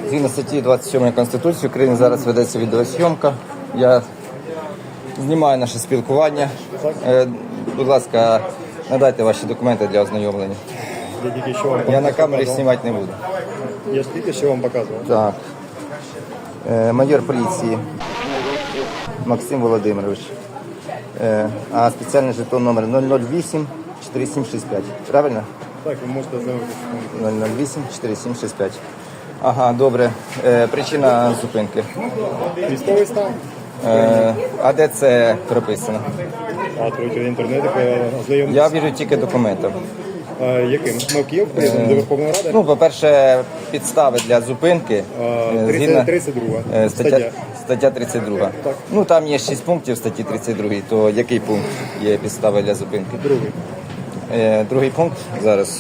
Згідно статті 27 Конституції України зараз ведеться відеозйомка. Я знімаю наше спілкування. Будь ласка, надайте ваші документи для ознайомлення. Я на камері знімати не буду. Я ж тільки що вам показував. Так. Майор поліції Максим Володимирович. А спеціальний жетон номер 008 4765. Правильно? Так, ви можете ознайомитися. 008 4765. Ага, добре. Причина зупинки. Військовий стан. А де це прописано? А третій інтернет, ознайомитися. Я вірю тільки документам. Яким? Ми в Київ приїздимо до Верховної Ради? Ну, по-перше, підстави для зупинки. 32 стаття 32. Так. Ну, там є 6 пунктів в статті 32, то який пункт є підстави для зупинки? Другий. Другий пункт зараз.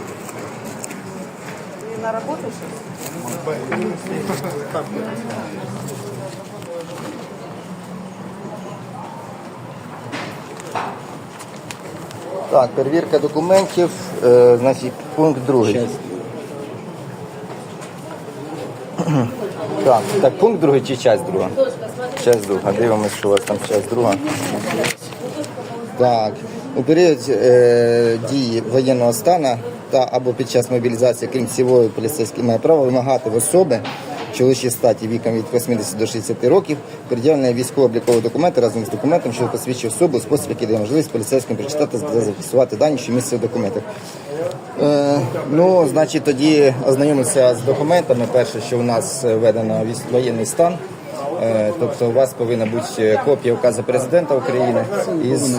На работу сейчас? Так, перевірка документів, значить, пункт другий. Так, пункт другий чи часть друга? Часть друга. Дивимося, що у вас там часть друга. Так, у період дії воєнного стану та або під час мобілізації, крім цивільної, поліцейський має право вимагати в особи чоловічій статі віком від 80 до 60 років пред'явлення військово-облікового документа разом з документом, що посвідчує особу у спосіб, який дає можливість поліцейським прочитати та зафіксувати дані, що містяться в документах. Ну, значить, тоді ознайомимося з документами. Перше, що у нас введено воєнний стан. Тобто у вас повинна бути копія указу президента України із...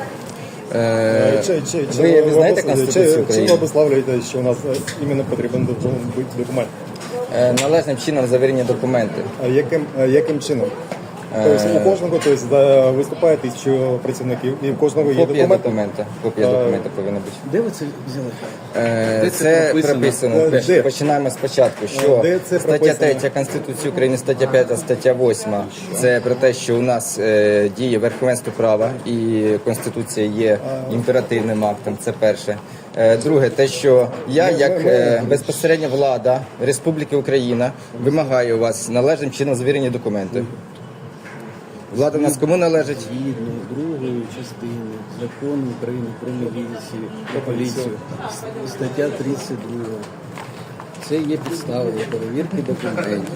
Ви знаєте Конституцію України? Чим обуславлюєте, що у нас іменно потрібен бути документ? Належним чином завірені документи. А яким чином? Тобто у кожного виступає 1000 працівників, і у кожного є Копія документи? документа повинна бути. Де ви це взяли? Де Це прописано. Де? Починаємо спочатку. Що Де це стаття прописано? 3 Конституції України, стаття 5, стаття 8. Це про те, що у нас діє верховенство права і Конституція є імперативним актом. Це перше. Друге, те, що я, як безпосередня влада Республіки Україна, вимагаю у вас належним чином завірені документи. Влада в нас кому належить? Згідно другої частини Закону України про міліцію та поліцію, стаття 32. Це є підстава для перевірки документів.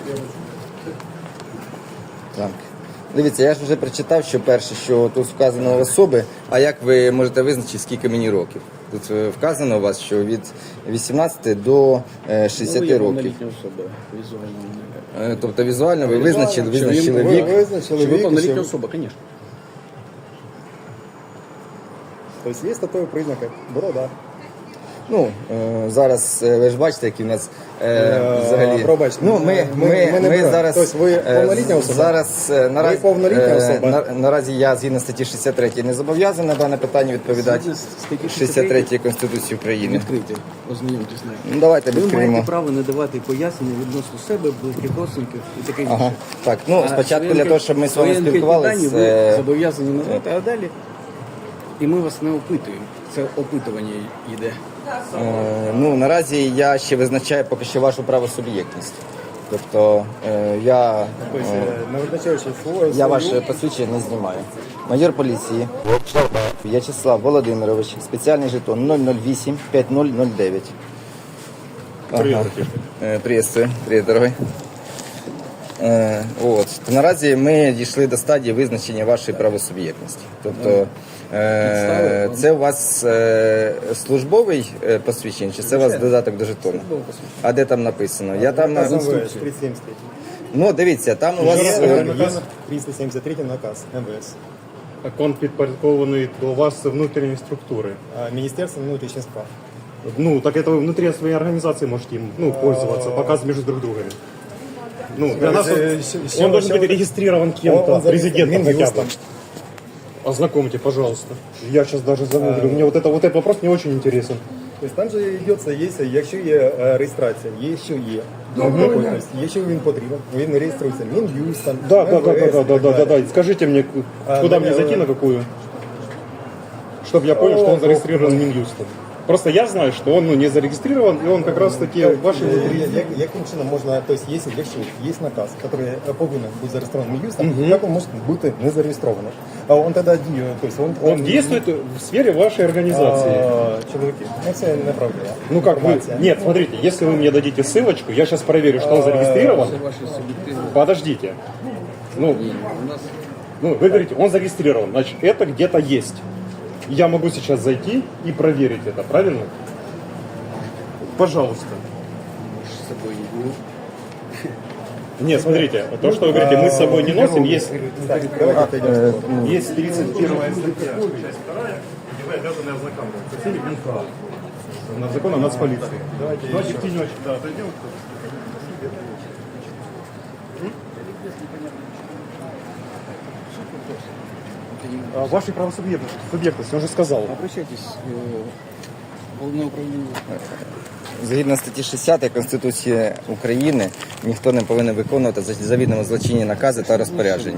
Так. Дивіться, я ж вже прочитав, що перше, що тут вказано особи, а як ви можете визначити, скільки мені років? Тут вказано у вас, що від 18 до 60 років. Повнолітня особа, візуально. Тобто візуально ви визначили вік. Що ви повнолітня особа, звісно. Тобто є статеві признаки? Борода. Ну, зараз ви ж бачите, які в нас взагалі... Пробачте. Ну, ми зараз... Тобто ви повнолітня особа? Зараз Ви повнолітня особа? Наразі я згідно статті 63 не зобов'язаний на дане питання відповідати. Статті 63 Конституції України. Відкрийте, ознайомтесь з нею. Ну, давайте Ви відкриємо. маєте право не давати пояснення відносно себе, близьких родственників і таке інше. Ага. Так, ну, спочатку Свої для того, щоб ми з вами свої анкетні спілкувалися... дані ви зобов'язані надати, а далі і ми вас не опитуємо. Це опитування йде. Ну, наразі я ще визначаю поки що вашу правосуб'єктність. Тобто я ваше посвідчення не знімаю. Майор поліції В'ячеслав Володимирович, спеціальний жетон 008 5009. Ага. Приветствую. Привіт, дорогой. От. Наразі ми дійшли до стадії визначення вашої правосуб'єктності. Тобто це у вас службовий посвідчення, чи це у вас додаток до жетону? А де там написано? Я там на... 373. Ну, дивіться, там у вас... 373 наказ МВС. Так он підпорядкований до вас внутрішньої структури. Міністерство внутрішніх справ. Ну, так это вы внутри своей организации можете им пользоваться, показывать между друг другом. Ну, для нас он должен быть регистрирован кем-то, президентом хотя бы. Ознакомьте, пожалуйста. Я сейчас даже загуглю. Мне вот этот вопрос не очень интересен. Тобто там же йдеться, якщо є реєстрація, якщо є документ, якщо він потрібен, він реєструється Мін'юстом. Да. Скажите мне, куда мне зайти, на какую? Чтобы я понял, что он зарегистрирован Минюстом. Просто я знаю, что он не зарегистрирован, и он как раз таки ваши внутри... Яким чином можна, тобто, якщо є наказ, який повинен бути зареєстрований Мін'юстом, як він може бути не зареєстрований? А він тоді діє, тобто Он действует в сфере вашей организации. Чоловіки, це неправда. Ну как вы... Нет, смотрите, если вы мне дадите ссылочку, я сейчас проверю, что он зарегистрирован. Це ваші суб'єктивні. Подождите. Ну, У нас вы говорите, он зарегистрирован, значит, это где-то есть. Я могу сейчас зайти и проверить это, правильно? Пожалуйста. з собою йду. Нет, смотрите, то, что вы говорите, мы с собой не носим, есть, Так, давайте отойдемо. есть 31 статья, часть 2, где вы обязаны ознакомиться. С этим НК. Закон о нацполиции. Давайте тенечек, да, отойдем. Вашей правосубъектности, он же сказал. Обращайтесь в головне управління. Згідно статті 60 Конституції України, ніхто не повинен виконувати завідомо злочинні накази та розпорядження.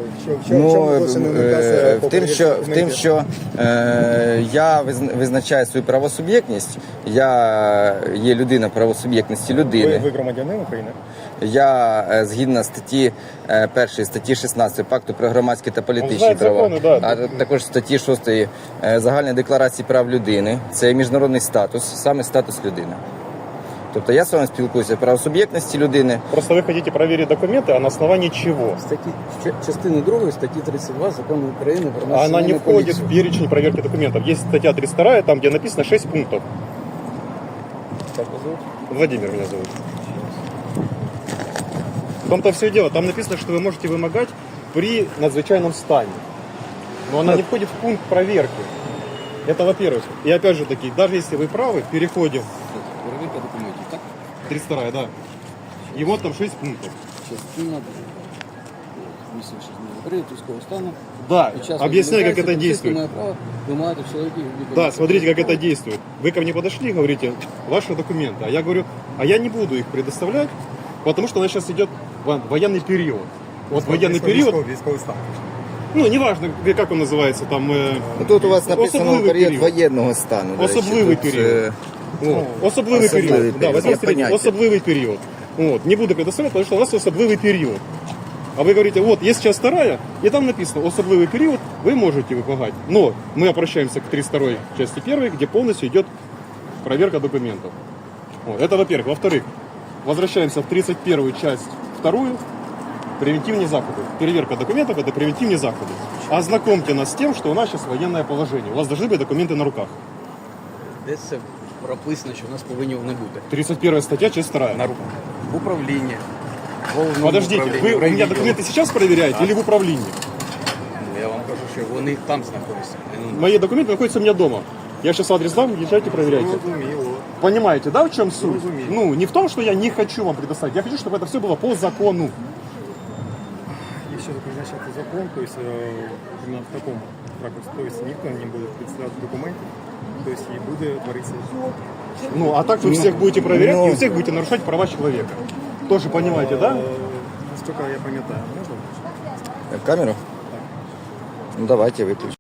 В тим, що я визначаю свою правосуб'єктність, я є людина правосуб'єктності людини. Ви громадянин України? Я згідно статті 1 статті 16 Пакту про громадські та політичні Знає права, закони, да. а також статті 6 Загальної декларації прав людини. Це міжнародний статус, саме статус людини. Тобто я з вами спілкуюся про суб'єктності людини. Просто вы хотите проверить документы, а на основании чего? Статті частини 2 статті 32 Закону України про Она не національну входит поліцію. в перечень проверки документов. Есть статья 32, там, где написано 6 пунктов. Как вас зовут? Владимир меня зовут. В том-то все и дело. Там написано, что вы можете вымогать при надзвычайном стане. Но она не входит в пункт проверки. Это во-первых. И опять же таки, даже если вы правы, переходим. Перевірка документів, так? 32, да. И вот там 6 пунктов. Частина місячних період військового стану. Да, Під час объясняю, как это мобілізації действует. має право вимагати в чоловіків. Да, смотрите, как это действует. Вы ко мне подошли и говорите, ваши документы. А я говорю, а я не буду их предоставлять, потому что у нас сейчас идет военный период. Вот военный период, Військовий стан. ну, неважно, как он называется, там... Тут у вас написано особливий період воєнного стану. до речі. Особливий Тут, період. Особливий Особливий період. Да, період. возьмем Є средний, поняття. особливий период. Вот. Не буду предоставлять, потому что у нас особливый период. А вы говорите, вот, есть часть 2, и там написано, особливый период, вы можете выполнять. Но мы обращаемся к 32 части 1, где полностью идет проверка документов. Вот. Это во-первых. Во-вторых, возвращаемся в 31 часть 2, превентивные заходы. Переверка документов – это превентивные заходы. Ознакомьте нас с тем, что у нас сейчас военное положение. У вас должны быть документы на руках. Десь це прописано, що в нас повинні вони бути. 31 статья, часть 2. На руках. В управлінні. в головному Подождите, управлінні, вы в у меня райвідділі. документы сейчас проверяете или в управлении? Ну, я вам кажу, що вони там знаходяться. Ну, Мои документы находятся у меня дома. Я сейчас адрес дам, езжайте, проверяйте. Понимаете, да, в чем суть? Ну, не в том, что я не хочу вам предоставить. Я хочу, чтобы это все было по закону. Якщо призначати закон, то есть, именно в такому ракурсі, то есть ніхто не буде представляти документів, то есть і буде творитися. Ну, а так вы всех будете проверять и у всех будете нарушать права человека. Тоже понимаете, да? Наскільки я пам'ятаю, можна? Камеру? Ну давайте выключим.